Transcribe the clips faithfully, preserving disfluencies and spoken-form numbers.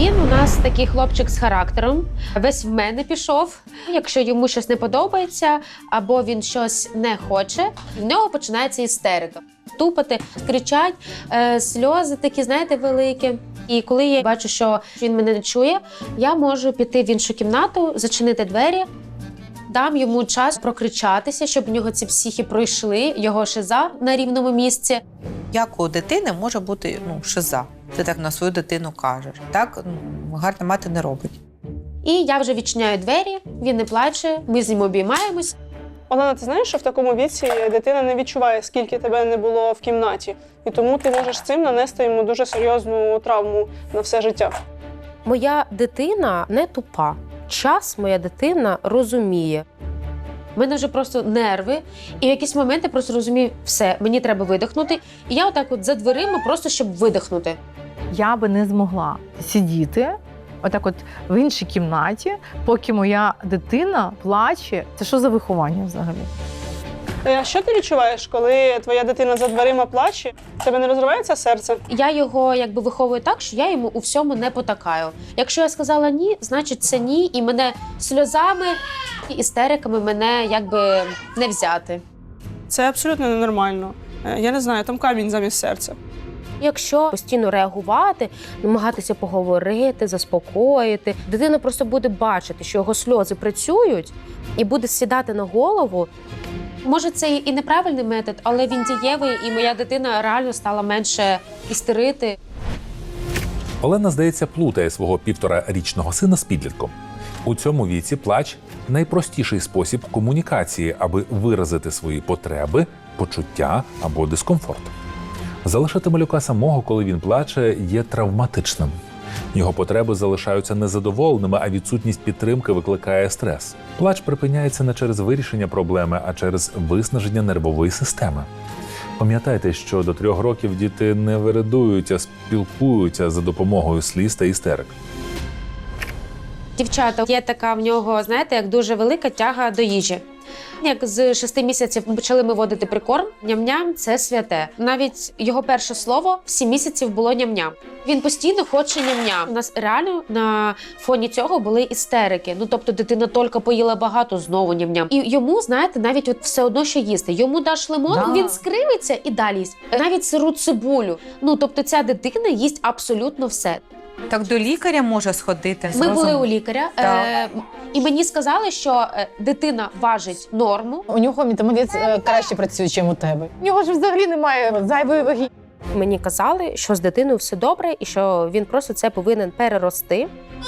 Він у нас такий хлопчик з характером, весь в мене пішов. Якщо йому щось не подобається або він щось не хоче, в нього починається істерика. Тупати, кричать, е, сльози такі, знаєте, великі. І коли я бачу, що він мене не чує, я можу піти в іншу кімнату, зачинити двері, дам йому час прокричатися, щоб у нього ці психи пройшли, його шиза на рівному місці. Як у дитини може бути ну, шиза? Ти так на свою дитину кажеш. Так ну, гарна мати не робить. І я вже відчиняю двері, він не плаче, ми з ним обіймаємось. Олена, ти знаєш, що в такому віці дитина не відчуває, скільки тебе не було в кімнаті. І тому ти можеш цим нанести йому дуже серйозну травму на все життя. Моя дитина не тупа. Час моя дитина розуміє. У мене вже просто нерви, і в якісь моменти просто розумію, все, мені треба видихнути. І я отак от за дверима просто, щоб видихнути. Я би не змогла сидіти отак от в іншій кімнаті, поки моя дитина плаче. Це що за виховання взагалі? А що ти відчуваєш, коли твоя дитина за дверима плаче? В тебе не розривається серце? Я його якби виховую так, що я йому у всьому не потакаю. Якщо я сказала ні, значить це ні, і мене сльозами і істериками мене якби не взяти. Це абсолютно ненормально. Я не знаю, там камінь замість серця. Якщо постійно реагувати, намагатися поговорити, заспокоїти, дитина просто буде бачити, що його сльози працюють, і буде сідати на голову. Може, це і неправильний метод, але він дієвий, і моя дитина реально стала менше істерити. Олена, здається, плутає свого півторарічного сина з підлітком. У цьому віці плач – найпростіший спосіб комунікації, аби виразити свої потреби, почуття або дискомфорт. Залишити малюка самого, коли він плаче, є травматичним. Його потреби залишаються незадоволеними, а відсутність підтримки викликає стрес. Плач припиняється не через вирішення проблеми, а через виснаження нервової системи. Пам'ятайте, що до трьох років діти не виридують, а спілкуються за допомогою сліз та істерик. Дівчата, є така в нього, знаєте, як дуже велика тяга до їжі. Як з шести місяців почали ми водити прикорм, ням-ням – це святе. Навіть його перше слово в сім місяців було ням-ням. Він постійно хоче ням-ням. У нас реально на фоні цього були істерики. Ну, тобто дитина тільки поїла багато, знову ням-ням. І йому, знаєте, навіть от все одно, що їсти. Йому даш лимон, Да. він скривиться і далі їсть. Навіть сиру цибулю. Ну, тобто ця дитина їсть абсолютно все. Так до лікаря може сходити. Ми були зрозум- у лікаря, Так. е- і мені сказали, що е, дитина важить норму. У нього метаболізм е, краще працює, ніж у тебе. У нього ж взагалі немає зайвої ваги. Мені казали, що з дитиною все добре і що він просто це повинен перерости.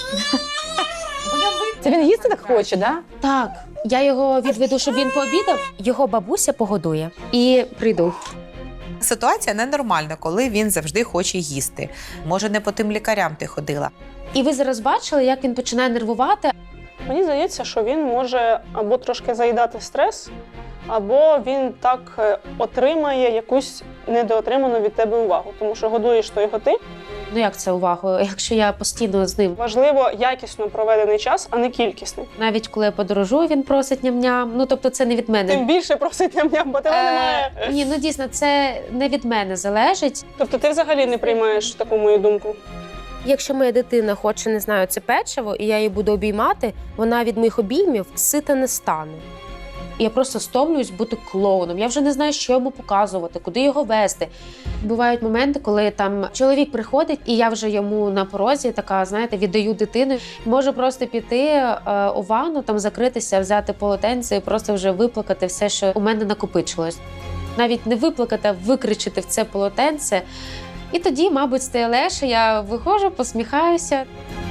Це він їсти так хоче, да? Так, я його відведу, щоб він пообідав, Його бабуся погодує. і прийду. Ситуація ненормальна, коли він завжди хоче їсти. Може, не по тим лікарям ти ходила. І ви зараз бачили, як він починає нервувати. Мені здається, що він може або трошки заїдати стрес, або він так е, отримає якусь недоотриману від тебе увагу. Тому що годуєш то його ти. Ну як це увагу, якщо я постійно з ним. Важливо якісно проведений час, а не кількісний. Навіть коли я подорожую, він просить ням-ням. Ну тобто це не від Тим мене. більше просить ням-ням, бо тебе немає. Е, ні, ну дійсно, це не від мене залежить. Тобто ти взагалі не приймаєш таку мою думку. Якщо моя дитина хоче, не знаю, це печиво, і я її буду обіймати, вона від моїх обіймів сита не стане. Я просто стомлююсь бути клоуном. Я вже не знаю, що йому показувати, куди його вести. Бувають моменти, коли там чоловік приходить, і я вже йому на порозі така, знаєте, віддаю дитину. Можу просто піти е, у ванну, там закритися, взяти полотенце і просто вже виплакати все, що у мене накопичилось. Навіть не виплакати, а викричити в це полотенце. І тоді, мабуть, стає легше, я виходжу, посміхаюся.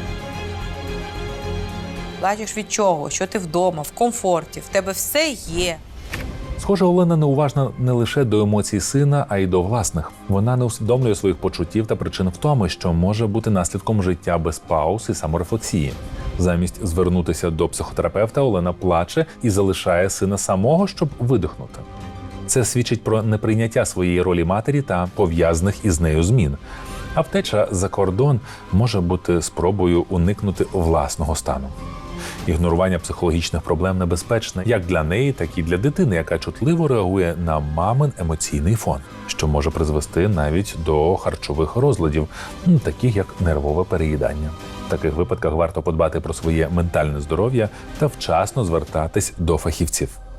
Плачеш від чого? Що ти вдома, в комфорті, в тебе все є. Схоже, Олена неуважна не лише до емоцій сина, а й до власних. Вона не усвідомлює своїх почуттів та причин втоми, що може бути наслідком життя без пауз і саморефлексії. Замість звернутися до психотерапевта, Олена плаче і залишає сина самого, щоб видихнути. Це свідчить про неприйняття своєї ролі матері та пов'язаних із нею змін. А втеча за кордон може бути спробою уникнути власного стану. Ігнорування психологічних проблем небезпечне як для неї, так і для дитини, яка чутливо реагує на мамин емоційний фон, що може призвести навіть до харчових розладів, таких як нервове переїдання. таких випадках варто подбати про своє ментальне здоров'я та вчасно звертатись до фахівців.